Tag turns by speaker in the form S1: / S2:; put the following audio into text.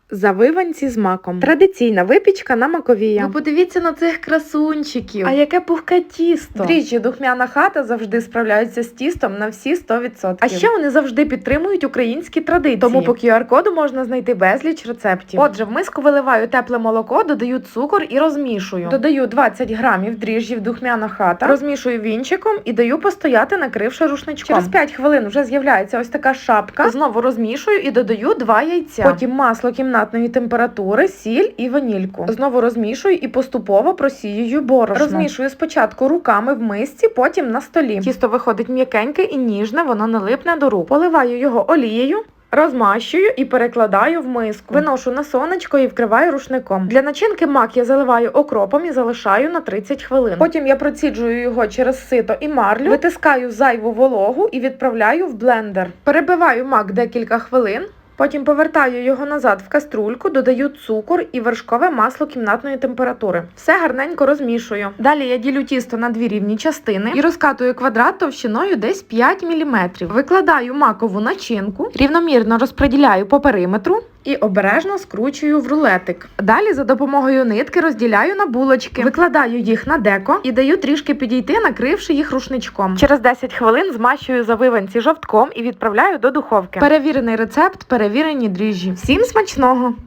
S1: Завиванці з маком. Традиційна випічка на маковія.
S2: Ви подивіться на цих красунчиків.
S1: А яке пухке тісто.
S2: Дріжджі духмяна хата завжди справляються з тістом на всі 100%.
S1: А ще вони завжди підтримують українські традиції.
S2: Тому по
S1: QR-коду можна знайти безліч рецептів.
S2: Отже, в миску виливаю тепле молоко, додаю цукор і розмішую.
S1: Додаю 20 грамів дріжджів духмяна хата, розмішую вінчиком і даю постояти, накривши рушничком.
S2: Через 5 хвилин вже з'являється ось така шапка.
S1: Знову розмішую і додаю 2 яйця. Потім масло кімнатної температури, сіль і ванільку. Знову розмішую і поступово просіюю борошно. Розмішую спочатку руками в мисці, потім на столі. Тісто виходить м'якеньке і ніжне, воно не липне до рук. Поливаю його олією, розмащую і перекладаю в миску. Виношу на сонечко і вкриваю рушником. Для начинки мак я заливаю окропом і залишаю на 30 хвилин. Потім я проціджую його через сито і марлю, витискаю зайву вологу і відправляю в блендер. Перебиваю мак декілька хвилин. Потім повертаю його назад в каструльку, додаю цукор і вершкове масло кімнатної температури. Все гарненько розмішую. Далі я ділю тісто на 2 рівні частини і розкатую квадрат товщиною десь 5 мм. Викладаю макову начинку, рівномірно розподіляю по периметру і обережно скручую в рулетик. Далі за допомогою нитки розділяю на булочки. Викладаю їх на деко і даю трішки підійти, накривши їх рушничком. Через 10 хвилин змащую завиванці жовтком і відправляю до духовки. Перевірений рецепт, перевірені дріжджі. Всім смачного!